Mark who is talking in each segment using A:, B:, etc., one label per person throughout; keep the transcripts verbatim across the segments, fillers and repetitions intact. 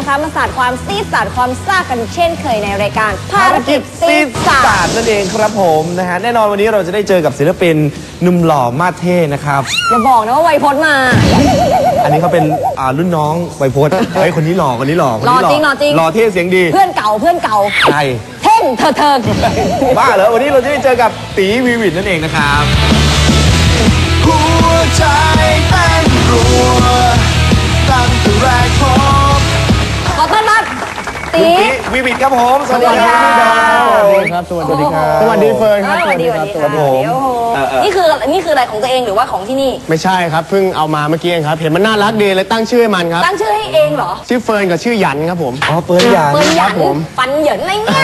A: นะคะมาสาดความซีดสาดความซ่ากันเช่นเคยในรายการภารกิจซีดสาด
B: นั่นเองครับผมนะฮะแน่นอนวันนี้เราจะได้เจอกับศิลปินหนุ่มหล่อมาสเท่นะครับ
A: อย่าบอกนะว่าไวพจน์มา
B: อันนี้เขาเป็นรุ่นน้องไวพจน์เฮ้ยคนนี้หล่อคนนี้หล่อ
A: หล่อจริงหล่อจริง
B: หล่อเท่เสียงดี
A: เพื่อนเก่าเพื่อนเก่า
B: ใช่
A: เท่งเธอเธอ
B: บ้าเหรอวันนี้เราจะได้เจอกับตีวีวิทนั่นเองนะครับ
C: หัวใจเต้นรัวตั้งแต่แรกพบ
A: ขอต้อนรับตี
B: วีวิทครับผมสวัสดีครับ
D: สวัสดีครับสวัสดีครับสวัสดีเฟิร์นครับ
A: สวัสดีครับครับผมนี่คือนี่คืออะไรของตัวเองหรือว่าของที่นี่
D: ไม่ใช่ครับเพิ่งเอามาเมื่อกี้เองครับเห็นมันน่ารักดีเลยตั้งชื่อให้มันครับ
A: ตั้งชื่อให้เองเหรอ
D: ชื่อเฟิร์นกับชื่อหยันครับผม
B: อ๋อเฟิร์นหยัน
A: เฟิร์นหยันปันหยันอะไรเนี่ย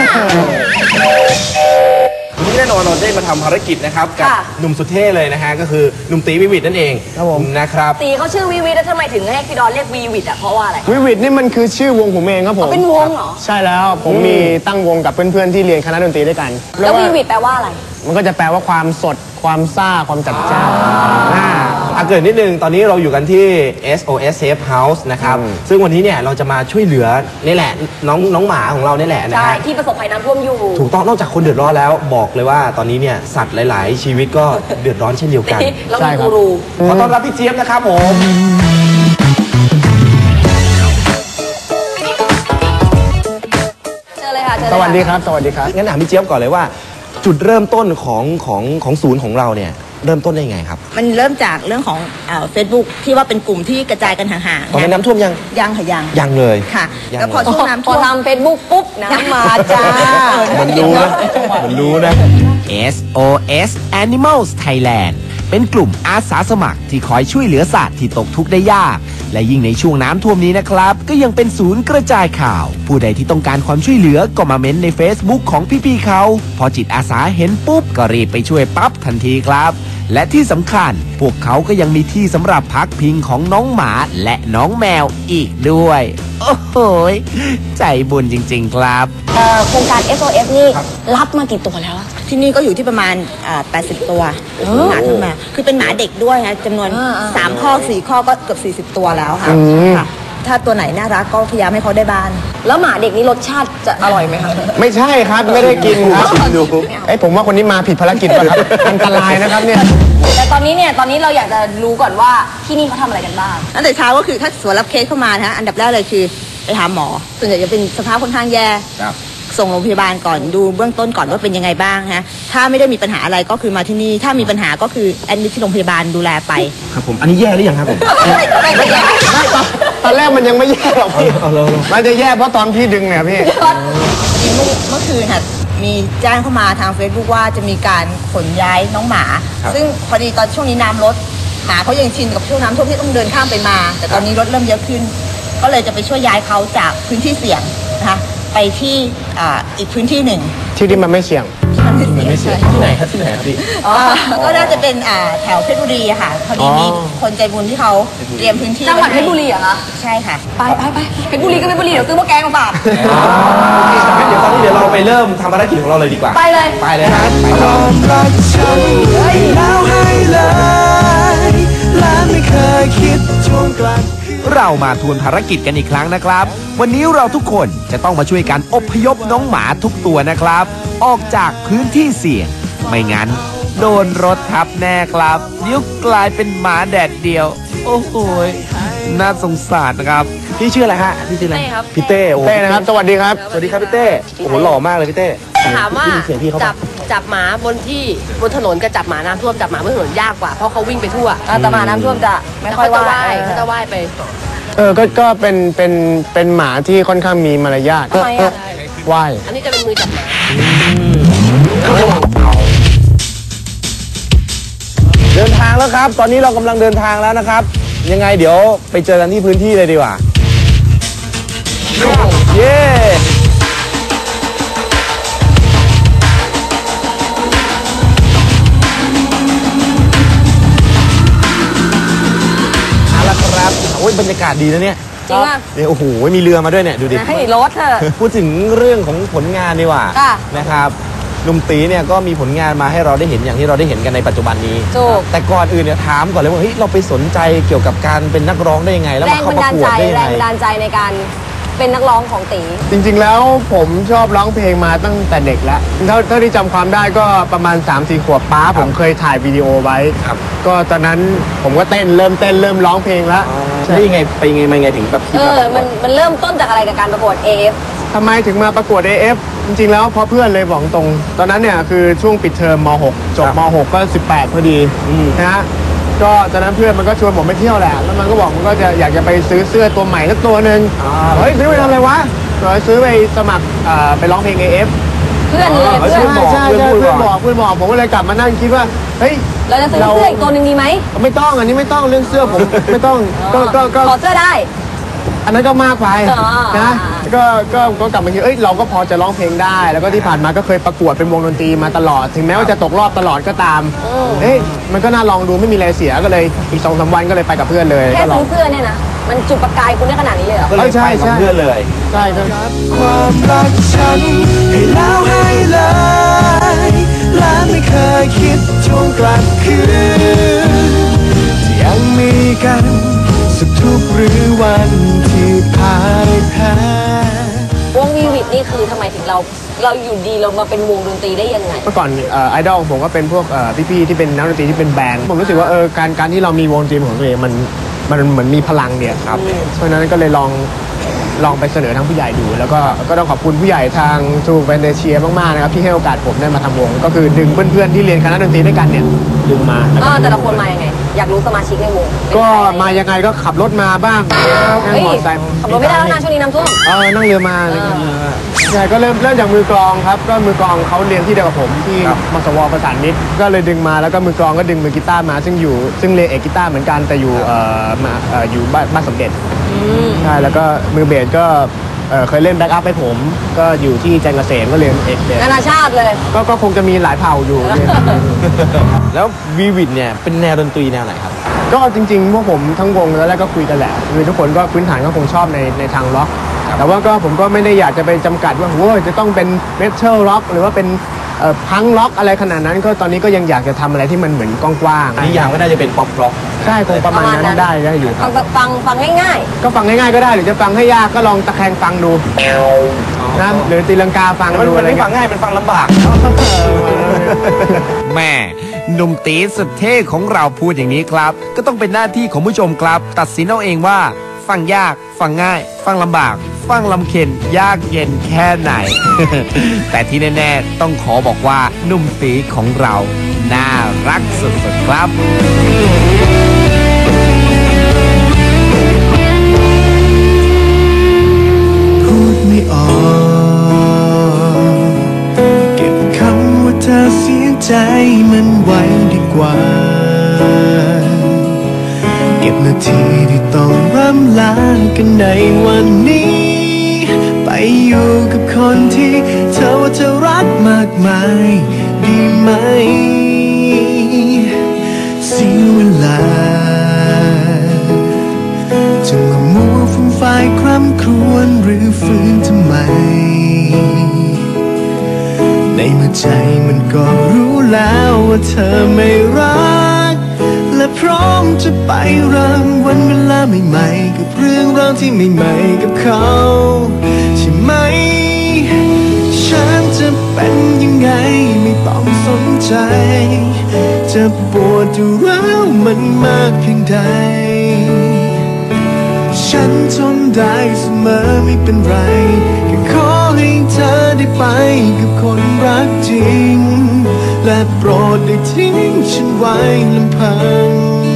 B: วันนี้แน่นอนเราได้มาทำภารกิจนะครับกับหนุ่มสุดเท่เลยนะฮะก็คือหนุ่มตีวีวิทนั่นเอง
D: ครับผม
B: นะครับ
A: ตีเขาชื่อวีวิทแล้วทำไมถึงให้พี่ดอนเรียกวีวิทอ่ะเพราะว่าอะไร
D: วีวิทนี่มันคือชื่อวงผมเองครับผม
A: เป็นวงเหรอ
D: ใช่แล้วผมมีตั้งวงกับเพื่อนๆที่เรียนคณะดนตรีด้วยกัน
A: แล้ววีวิทแปลว่าอะไร
D: มันก็จะแปลว่าความสดความซ่าความจัดจ้าน
B: อ่ะเกิดนิดนึงตอนนี้เราอยู่กันที่ เอส โอ เอส Safe House นะครับซึ่งวันนี้เนี่ยเราจะมาช่วยเหลือนี่แหละน้องน้องหมาของเรานี่แหละนะ
A: ใช่ที่ประสบภัยน้ำท่วมอยู่
B: ถูกต้องนอกจากคนเดือดร้อนแล้วบอกเลยว่าตอนนี้เนี่ยสัตว์หลายๆชีวิตก็เดือดร้อนเช่นเดียวกัน
A: เรามีกูรู
B: ขอต้อนรับพี่เจี๊ยบนะครับผม
A: เจอเลยค่ะเจอเลย
D: สวัสดีครับสวัสดีครับ
B: งั้นถามพี่เจี๊ยบก่อนเลยว่าจุดเริ่มต้นของของของศูนย์ของเราเนี่ยเริ่มต้นได้ไงครับ
E: มันเริ่มจากเรื่องของเฟซบุ๊กที่ว่าเป็นกลุ่มที่กระจายกันห่างๆ
B: ตอนนั้นน้ำท่วมยัง
E: ยังค่ะยัง
B: ยังเลย
E: ค่ะแล้วพอช่วงน้ำท่วม
A: พอทำเฟซบุ๊กปุ๊บน้ำมาจ้า
B: มันรู้นะมันรู้นะ
F: เอส โอ เอส Animals Thailand เป็นกลุ่มอาสาสมัครที่คอยช่วยเหลือสัตว์ที่ตกทุกข์ได้ยากและยิ่งในช่วงน้ำท่วมนี้นะครับก็ยังเป็นศูนย์กระจายข่าวผู้ใดที่ต้องการความช่วยเหลือก็มาเม้นใน Facebook ของพี่ๆเขาพอจิตอาสาเห็นปุ๊บก็รีบไปช่วยปั๊บทันทีครับและที่สำคัญพวกเขาก็ยังมีที่สำหรับพักพิงของน้องหมาและน้องแมวอีกด้วยโอ้โหใจบุญจริงๆครับ
A: โครงการ เอส โอ เอส นี่รับมากี่ตัวแล้ว
E: ที่นี่ก็อยู่ที่ประมาณแปดสิบตัวหมาทั้งแมวคือเป็นหมาเด็กด้วยนะจำนวนสามข้อสี่ข้อก็เกือบสี่สิบตัวแล้วค่ะถ้าตัวไหนน่ารักก็พยายามให้เขาได้บ้าน
A: แล้วหมาเด็กนี่รสชาติจะอร่อยไหมคะ
D: ไม่ใช่ครับไม่ได้กินครับดูไอ้ผมว่าคนนี้มาผิดภารกิจป่ะครับอันตรายนะครับเนี่ย
A: แต่ตอนนี้เนี่ยตอนนี้เราอยากจะรู้ก่อนว่าที่นี่เขาทำอะไรกันบ้าง
E: ตั้งแต่เช้าก็คือถ้าสวนรับเคสเข้ามานะฮะอันดับแรกเลยคือไปหาหมอส่วนใหญ่จะเป็นสภาพค่อนข้างแย่ส่งโรงพยาบาลก่อนดูเบื้องต้นก่อนว่าเป็นยังไงบ้างฮะถ้าไม่ได้มีปัญหาอะไรก็คือมาที่นี่ถ้ามีปัญหาก็คือแอดมิทที่โรงพยาบาลดูแลไป
B: ครับผมอันนี้แย่หรือยังครับผม
D: ไม่ตอนแรกมันยังไม่แย่หรอกพี่มันจะแย่เพราะตอนพี่ดึงเนี่ยพี่
E: เมื่อคืนค่ะมีแจ้งเข้ามาทาง Facebook ว่าจะมีการขนย้ายน้องหมาซึ่งพอดีตอนช่วงนี้น้ำลดหมาเขายังชินกับช่วงน้ำท่วมที่ต้องเดินข้ามไปมาแต่ตอนนี้รถเริ่มเยอะขึ้นก็เลยจะไปช่วยย้ายเขาจากพื้นที่เสี่ยงนะคะไปที่อีกพื้นที่หนึ่ง
D: ที่ที่มันไม่เสี่ยง
B: มันไม่เสี่ยงที่ไหนครับที่ไหนครับพี่
E: ก็น่าจะเป็นแถวเพชรบุรีค่ะพอดีมีคนใจบุญที่เขาเตรียมพื้นที่
A: จังหวัดเพชรบุรีเหรอคะ
E: ใช่ค่ะ
A: ไปไปไปเพชรบุรีก็เพชรบุรีเดี๋ยวซื้อมะแกงมาฝาก
B: เดี๋ยวตอนนี้เดี๋ยวเราไปเริ่มทำภารกิจของเราเลยดีกว่า
A: ไปเลย
B: ไปเลยครับไปค
C: รักฉันแล้วให้เลยและไม่เคยคิดทวงกลับ
F: เรามาทวนภารกิจกันอีกครั้งนะครับวันนี้เราทุกคนจะต้องมาช่วยกันอพยพน้องหมาทุกตัวนะครับออกจากพื้นที่เสี่ยงไม่งั้นโดนรถทับแน่ครับเดี๋ยวกลายเป็นหมาแดดเดียวโอ้โหน่าสงสารนะครับ
B: พี่ชื่ออะไรฮะพี่ชื่ออะไรพี่เต้โอ้
D: เต้นะครับสวัสดีครับ
B: สวัสดีครับพี่เต้โอ้โหหล่อมากเลยพี่เต้
G: ถามว่าจับจับหมาบนที่บนถนนกับจับหมาน้ำท่วมจับหมาบนถนนยากกว่าเพราะเขาวิ่งไปทั่ว
A: แต่หมาน้ำท่วมจะไม่ค่อยว่าย
G: เขาจะว่ายไป
D: เออก็ก็เป็นเป็นเป็นหมาที่ค่อนข้างมีมารยาท
A: ทำไมอ่ะ
D: ว่าย
G: อันนี้จะเป็นมือจับหมา
B: เดินทางแล้วครับตอนนี้เรากำลังเดินทางแล้วนะครับยังไงเดี๋ยวไปเจอกันที่พื้นที่เลยดีกว่าเย้เอาละครับโอ้ยบรรยากาศดีนะเนี่ย
A: จริงป่ะ
B: เนี่ยโอ้โหมีเรือมาด้วยเนี่ยดูดิ
A: ให้รถเถอะ
B: พูดถึงเรื่องของผลงานดีกว่านะครับหนุ่มตีเนี่ยก็มีผลงานมาให้เราได้เห็นอย่างที่เราได้เห็นกันในปัจจุบันนี้แต่ก่อนอื่นเนี่ยถามก่อนเลยว่าเฮ้ยเราไปสนใจเกี่ยวกับการเป็นนักร้องได้ยังไงแล้วมาเข้าประกวดได้ยังไง
A: แรงบันดาลใจในการเป็นนักร้องของตี
D: จริงๆแล้วผมชอบร้องเพลงมาตั้งแต่เด็กแล้วเท่าเท่าที่จำความได้ก็ประมาณ สามสี่ ขวบป้าผมเคยถ่ายวิดีโอไว้ก็ตอนนั้นผมก็เต้นเริ่มเต้นเริ่มร้องเพลงแล้ว
B: แล้วยังไงไปยังไงมายังไงถึงแบบคิด
A: เอ
B: มา
A: อ มันมันเริ่มต้นจากอะไรกับการประกวด เอ เอฟ
D: ทำไมถึงมาประกวด เอ เอฟ จริงๆแล้วเพราะเพื่อนเลยบอกตรงตอนนั้นเนี่ยคือช่วงปิดเทอมม หก จบม หก ก็สิบแปดพอดีนะฮะก็ตอนนั้นเพื่อนมันก็ชวนผมไปเที่ยวแหละแล้วมันก็บอกมันก็จะอยากจะไปซื้อเสื้อตัวใหม่สักตัวหนึ่งเฮ้ยซื้อไปทำอะไรวะก็ซื้อไปสมัครอ่าไปร้องเพลง เอ เอฟ
A: เพื่อนเลยเพื่อน
D: ใช่ใช่ใช่เพื่อนบอกเพื่อนบอกผมก็เลยกลับมานั่งคิดว่าเฮ้ย
A: เราจะซื้อเสื้ออีกตัวหนึ่งดีไหม
D: ไม่ต้องอันนี้ไม่ต้องเรื่องเสื้อผมไม่ต้องก็ก็ก็
A: ขอเสื้อได้
D: อันนั้นก็มากไป
A: อ๋อ
D: นะก็ก็ก็กลับมาคิดเอ้ยเราก็พอจะร้องเพลงได้ แล้วก็ที่ผ่านมาก็เคยประกวดเป็นวงดนตรีมาตลอด ถึงแม้ว่าจะตกรอบตลอดก็ตามเอ้ยมันก็น่าลองดูไม่มีอะไรเสียก็เลยอีกสองสามวันก็เลยไปกับเพื่อนเลย
A: แค่
D: ก็ลอ
A: ซื้
D: ง
A: อเสื้อเนี่ยนะ มันจุดประกายคุณได้ขนาดนี้เลยเหรอ
B: ก็เลย
D: ใช่
B: ไป
D: ใช่
B: กับเพื่อนเลย
D: ใช่ครับ
C: ความรักฉันให้แล้วให้เลยและไม่เคยคิดทวงกลับคืนที่ยังมีกันสักทุกหรือวันที่พ่ายแพ้
A: วงวีวิตนี่คือทำไมถึงเรา เราอยู่ดีเรามาเป็นวงดนตรีได้ยังไง
D: เมื่อก่อนไอดอลผมก็เป็นพวกพี่ๆที่เป็นนักดนตรีที่เป็นแบนด์ผมรู้สึกว่าเออการการที่เรามีวงดนตรีของตัวเองมันมันเหมือนมีพลังเนี่ยครับเพราะฉะนั้นก็เลยลองลองไปเสนอทางผู้ใหญ่ดูแล้วก็ก็ต้องขอบคุณผู้ใหญ่ทางทูแวนเดเชียมากๆนะครับที่ให้โอกาสผมได้มาทำวงก็คือดึงเพื่อนๆที่เรียนคณะดนตรีด้วยกันเนี่ยดึงมา
A: อ่าแต่ละคนมายังไง อยากรู้สมาชิกในวง
D: ก็มายังไงก็ขับรถมาบ้างนั่ง
A: เฮ้ย
D: มอเตอร์ไซค์
A: ขับรถไม่ได้แล้วนะช่วงนี้น้ำท่วม
D: เออนั่งเรือมาเลยใช่ก็เริ่มเริ่มจากมือกลองครับก็มือกลองเขาเรียนที่เดียวกับผมที่มสวประสานมิตรก็เลยดึงมาแล้วก็มือกลองก็ดึงมือกีตาร์มาซึ่งอยู่ซึ่งเรียนเอกกีตาร์เหมือนกันแต่อยู่เอ่อมาเอ่ออยู่บ้านบ้านสมเด็จใช่แล้วก็มือเบสก็เอ่อเคยเล่นแบ็กอัพให้ผมก็อยู่ที่จันทร์เกษมก็เรียนเอกเบส
A: นานาชาติเลย
D: ก็ก็คงจะมีหลายเผ่าอยู่
B: แล้ววีวิดเนี่ยเป็นแนวดนตรีแนวไหนครับ
D: ก็จริงๆพวกผมทั้งวงแล้วแรกก็คุยกันแหละคือทุกคนก็พื้นฐานก็คงชอบในในทางร็อกแต่ว่าก็ผมก็ไม่ได้อยากจะไปจำกัดว่าโอ้ยจะต้องเป็นเมทัลร็อกหรือว่าเป็นพังร็อกอะไรขนาดนั้นก็ตอนนี้ก็ยังอยากจะทำอะไรที่มันเหมือนกว้างๆ
B: นิยามก็น่าจะเป็นป๊อปร็อก
D: ใช่คงประมาณนั้นได้ได้อยู่ค
A: ฟั
D: รับ
A: งฟังฟังง่าย
D: ก็ฟังง่ายๆก็ได้หรือจะฟังให้ยากก็ลองตะแคงฟังดูนะหรือตีลังกาฟัง
B: มัน
D: ดู
B: มั
D: อะ
B: น
D: ไร
B: ไม่ฟั
D: เงี้ย
B: งง่ายมันฟังลำบาก
F: แม่หนุ่มตีสุดเท่ของเราพูดอย่างนี้ครับ ก็ต้องเป็นหน้าที่ของผู้ชมครับ ตัดสินเอาเองว่า ฟังยาก ฟังง่าย ฟังลำบาก ฟังลำเค็ญยากเย็นแค่ไหน แต่ที่แน่ๆต้องขอบอกว่าหนุ่มตีของเราน่ารักสุดๆครับ
C: พูดไม่ออกเก็บคำว่าเธอเสียใจมันไว้ดีกว่าเก็บนาทีที่ต้องร่ำลากันในวันนี้ไปอยู่กับคนที่เธอว่าเธอรักมากมายดีไหมเสียเวลาจะมามัวฟุ้งไฟคร่ำครวญหรือฟื้นทำไมในเมื่อใจมันก็รู้แล้วว่าเธอไม่รักและพร้อมจะไปเริ่มวันเวลาใหม่ๆกับเรื่องราวที่ใหม่ๆกับเขาใช่ไหมฉันจะเป็นยังไงไม่ต้องสนใจจะปวดอยู่แล้วมันมากเพียงใดฉันทนได้เสมอไม่เป็นไรแค่ขอให้เธอได้ไปกับคนรักจริงและโปรดได้ทิ้งฉันไว้ลำพัง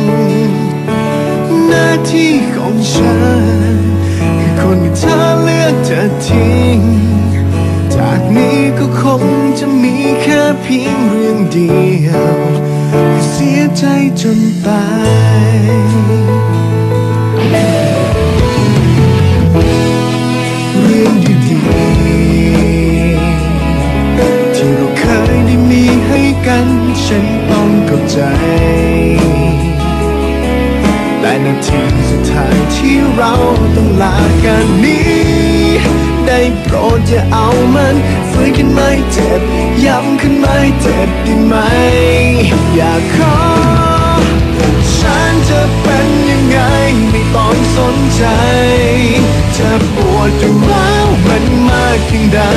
C: หน้าที่ของฉันคือคนที่เธอเลือกจะทิ้งจากนี้ก็คงจะมีแค่เพียงเรื่องเดียวคือเสียใจจนตายเรื่องดีๆที่เราเคยได้มีให้กันฉันต้องเข้าใจแต่นาทีสุดท้ายที่เราต้องลากันนี้ได้โปรดอย่าเอามันฟื้นขึ้นมาให้เจ็บย้ำขึ้นมาให้เจ็บได้ไหมอย่าขอฉันจะเป็นยังไงไม่ต้องสนใจจะปวดอยู่แล้วมันมากเพียงใด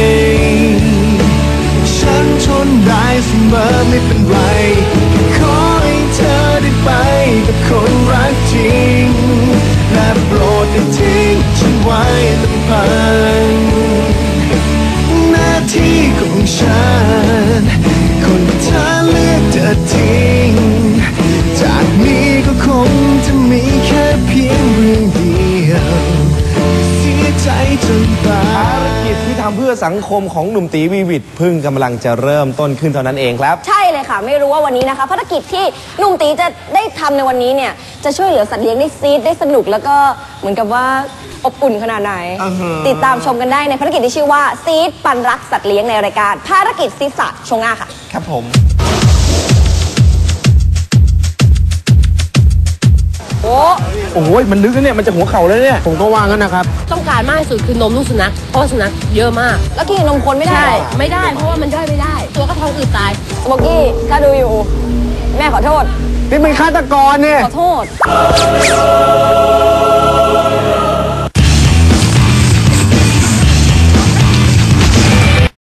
C: ฉันทนได้เสมอไม่เป็นไรขอให้เธอได้ไปกับคนรักจริงและโปรดอย่าทิ้งฉันไว้ลำพังหน้าที่ของฉันคนที่เธอเลือกจะทิ้งจากนี้ก็คงจะมีแค่เพียงเรื่องเดียวเสียใจจนตา
B: ภารกิจที่ทำเพื่อสังคมของหนุ่มตีวีวิทย์เพิ่งกำลังจะเริ่มต้นขึ้นเท่านั้นเองครับ
A: ใช่เลยค่ะ ไม่รู้ว่าวันนี้นะคะภารกิจที่หนุ่มตีจะได้ทำในวันนี้เนี่ยจะช่วยเหลือสัตว์เลี้ยงได้ซีดได้สนุกแล้วก็เหมือนกับว่าอบอุ่นขนาดไหน ติดตามชมกันได้ในภารกิจที่ชื่อว่าซีดปันรักสัตว์เลี้ยงในรายการภารกิจซีดสัตว์ช่วงหน้าค่ะ
B: ครับผม
A: โอ้
D: โอ้ยมันลึกนะเนี่ยมันจะหัวเข่าแล้วเนี่ยผมก็ว่างั้นนะครับ
G: ต้องการมากที่สุดคือนมลูกสุนัขเพราะว่าสุนัขเยอะมาก
A: แล้วกินนมคนไม่ได้
G: ใช่
A: เหรอ
G: ไม่ได้เพราะว่ามันย่อยไม่ได้ ตัวก็ท้องอืดตาย
A: โบกี้ถ้าดูอยู่ แม่ขอโทษ
D: นี่เป็นฆาตกรเนี่ย
A: ขอโทษ